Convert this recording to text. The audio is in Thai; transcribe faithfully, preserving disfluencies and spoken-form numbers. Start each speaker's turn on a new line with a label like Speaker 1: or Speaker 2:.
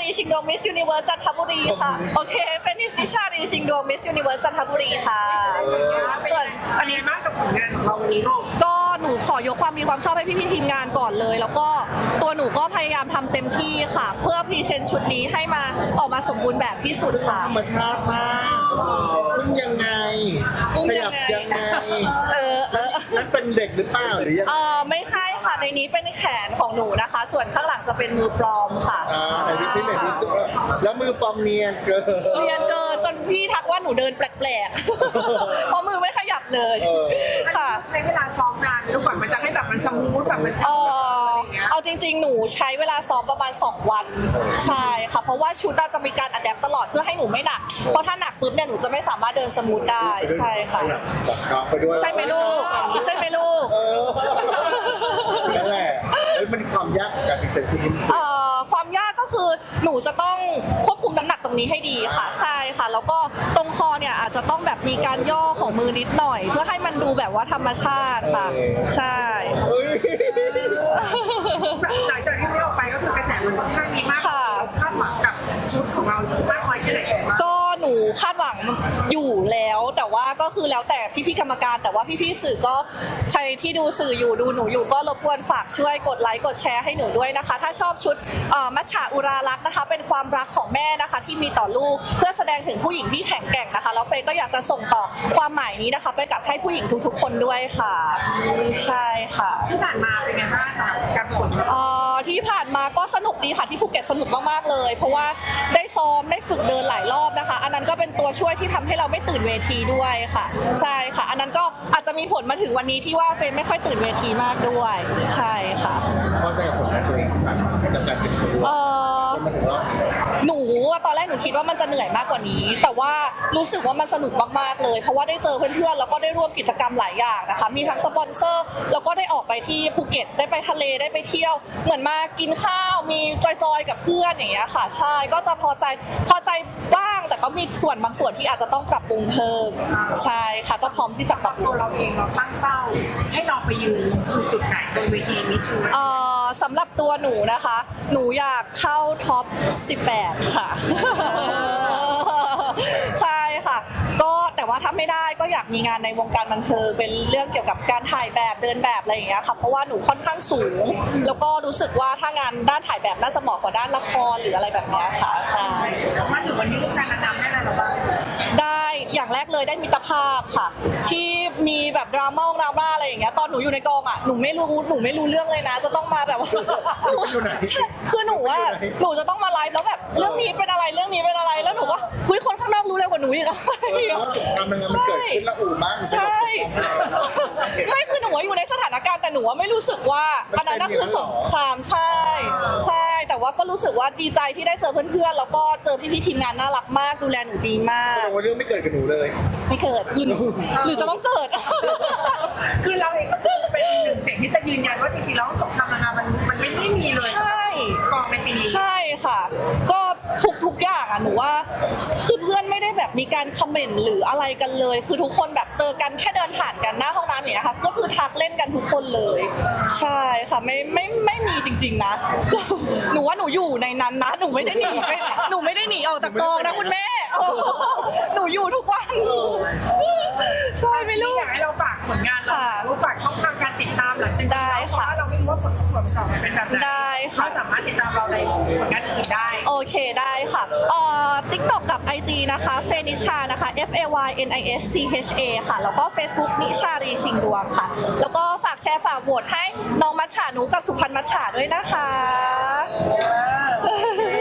Speaker 1: รีชิงดวงมิสยูนิเวิร์สจันทบุรีค่ะโอเคเฟนิสนิชารีชิงดวงมิสยูนิเวิร์สจันทบุรีค่ะส่วนอันนี้
Speaker 2: มากกับผลงานของเราวันนี้ลูก
Speaker 1: ก็หนูขอยกความดีความชอบให้พี่ๆทีมงานก่อนเลยแล้วก็ตัวหนูก็พยายามทำเต็มที่ค่ะเพื่อพรีเซนต์ชุดนี้ให้มาออกมาสมบูรณ์แบบที่สุดค่ะ
Speaker 3: ธรรมชาติมากอุ้มยังไงขยับยังไง
Speaker 1: เออเออ
Speaker 3: นั่นเป็นเด็กหรือเปล่าหรือยัง
Speaker 1: เออไม่ใช่ค่ะในนี้เป็นแขนของหนูนะคะ ส่วนข้างหลังจะเป็นมือปลอมค่ะ
Speaker 3: อ่าไอ้ที่ที่ไหนที่แล้วมือปลอมเนียนเกิน
Speaker 1: เนียนเกินจนพี่ทักว่าหนูเดินแปลกๆเพราะมือไม่ขยับเลยค่ะ
Speaker 2: ใช้เวลาซ้อมนานลูกแบบมันจะให้แบบมันสมูทแบบมัน
Speaker 1: เออเอาจริงๆหนูใช้เวลาซ้อมประมาณสองวันใช่ค่ะเพราะว่าชุดจะมีการอัดแอปตลอดเพื่อให้หนูไม่หนักเพราะถ้าหนักปุ๊บเนี่ยหนูจะไม่สามารถเดินสมูทได้ใช่ค่ะใช่ไหมลูกใช่ไหมลูก
Speaker 3: นั่นแหละมันความยากการพรีเซนต์ชุดนี้
Speaker 1: ความยากก็คือหนูจะต้องควบคุมน้ำหนักตรงนี้ให้ดีค่ะใช่ค่ะแล้วก็ตรงคอเนี่ยอาจจะต้องแบบมีการย่อของมือนิดหน่อยเพื่อให้มันดูแบบว่าธรรมชาติค่ะใช่
Speaker 2: หลังจากที่เราไปก็คือกระแสมันค่อนข้างดีมากคาดหวังกับชุดของเรามากน้อยแค่ไหน
Speaker 1: ก็หนูคาดหวังอยู่แล้วแต่ว่าก็คือแล้วแต่พี่ๆกรรมการแต่ว่าพี่ๆสื่อก็ใครที่ดูสื่ออยู่ดูหนูอยู่ก็รบกวนฝากช่วยกดไลค์กดแชร์ให้หนูด้วยนะคะถ้าชอบชุดมัชฉาอุรารักษ์นะคะเป็นความรักของแม่นะคะที่มีต่อลูกเพื่อแสดงถึงผู้หญิงที่แข็งแกร่งนะคะแล้วเฟย์ก็อยากจะส่งต่อความหมายนี้นะคะไปกับให้ผู้หญิงทุกๆคนด้วยค่ะใช่ค่ะ
Speaker 2: ที่ผ่านมาเป็นไงบ้างสำหรับการประกวด
Speaker 1: ที่ผ่านมาก็สนุกดีค่ะที่ภูเก็ตสนุกมากๆเลยเพราะว่าได้ซ้อมได้ฝึกเดินหลายรอบนะคะอันนั้นก็เป็นตัวช่วยที่ทำให้เราไม่ตื่นเวทีด้วยค่ะใช่ค่ะอันนั้นก็อาจจะมีผลมาถึงวันนี้ที่ว่าเฟย์ไม่ค่อยตื่นเวทีมากด้วยใช่ค่ะ
Speaker 3: พอใจกับผลงานตัวเองกับการเป็นครู
Speaker 1: หนูตอนแรกหนูคิดว่ามันจะเหนื่อยมากกว่านี้แต่ว่ารู้สึกว่ามันสนุกมากๆเลยเพราะว่าได้เจอเพื่อนๆแล้วก็ได้ร่วมกิจกรรมหลายอย่างนะคะมีทั้งสปอนเซอร์แล้วก็ได้ออกไปที่ภูเก็ตได้ไปทะเลได้ไปเที่ยวเหมือนมากินข้าวมีจอยๆกับเพื่อนอย่างเงี้ยค่ะใช่ก็จะพอใจพอใจบ้างแต่ก็มีส่วนบางส่วนที่อาจจะต้องปรับปรุงเพิ่มใช่ค่ะก็พร้อมที่จะปรับ
Speaker 2: ตัวเราเองเราตั้งเป้าให้เราไปยืนจุดไหนบนเวทีมิสยูนิเวิร์ส
Speaker 1: สำหรับตัวหนูนะคะหนูอยากเข้าท็อปสิบแปดค่ะใช่ค่ะก็แต่ว่าถ้าไม่ได้ก็อยากมีงานในวงการบันเทิงเป็นเรื่องเกี่ยวกับการถ่ายแบบเดินแบบอะไรอย่างเงี้ยค่ะเพราะว่าหนูค่อนข้างสูงแล้วก็รู้สึกว่าถ้างานด้านถ่ายแบบน่าจะเหมาะกว่าด้านละครหรืออะไรแบบนี้ค่ะใช่
Speaker 2: มาถึงวันนี้วงการนางงามได้อะไรหรอบ้าง
Speaker 1: ได้อย่างแรกเลยได้มิตรภาพค่ะที่มีแบบดราม่าดราม่าอะไรอย่างเงี้ยตอนหนูอยู่ในกองอ่ะหนูไม่รู้หนูไม่รู้เรื่องเลยนะจะต้องมาแบบว่าคือหนูว่าหนูจะต้องมาไลฟ์แล้วแบบเรื่องนี้เป็นอะไรเรื่องนี้เป็นอะไรแล้วหนูว่าเฮ้ยคนข้างนอกรู้เร็วกว่าหนูอีกอะ
Speaker 3: มันเกิดขึ้นละอู่บ้าง
Speaker 1: ใช่ไม่คือหนูว่าอยู่ในสถานการณ์แต่หนูว่าไม่รู้สึกว่าอันนั้นคือสงครามใช่ใช่แต่ว่าก็รู้สึกว่าดีใจที่ได้เจอเพื่อนๆแล้วก็เจอพี่ๆทีมงานน่ารักมากดูแลหนูดีมาก
Speaker 3: แสดงว่าเรื่องไม่เกิดกับหนูเลย
Speaker 1: ไม่เกิดหรือหรือจะต้องเกิด
Speaker 2: คือเราเองก็คือเป็นหนึ่งเสียงที่จะยืนยันว่าจริงๆแล้วสงครามนางงามมันมันไม่ได้มีเลย
Speaker 1: ใช่
Speaker 2: กองในปีนี้
Speaker 1: ใช่ค่ะก็ทุกทุกอย่างอ่ะหนูว่าคือเพื่อนไม่ได้แบบมีการคอมเมนต์หรืออะไรกันเลยคือทุกคนแบบเจอกันแค่เดินผ่านกันหน้าห้องน้ำอย่างเงี้ยค่ะก็คือทักเล่นกันทุกคนเลยใช่ค่ะไม่ไม่ไม่มีจริงๆนะหนูว่าหนูอยู่ในนั้นนะหนูไม่ได้หนีไปหนูไม่ได้หนีออกจากกองนะคุณแม่หนูอยู่ทุกวันใช่ไม่รู้
Speaker 2: อยากให้เราฝากผลงานเราเราฝากช่องทางการติดตามหลังจาก
Speaker 1: ได้ค่ะ
Speaker 2: เราไม่รู้ว่าผลประกวดมันจะออกมาเป็นแบบไหน
Speaker 1: ได้ค่ะ
Speaker 2: สามารถติดตามเราในผลงานอื่นได้
Speaker 1: โอเคได้ค่ะเอ่อ TikTok กับ ไอ จี นะคะเฟนิชานะคะ F A Y N I S C H A ค่ะแล้วก็ Facebook นิชารีชิงดวงค่ะแล้วก็ฝากแชร์ฝากโหวตให้น้องมัชฉาหนูกับสุพรรณมัชฉาด้วยนะคะ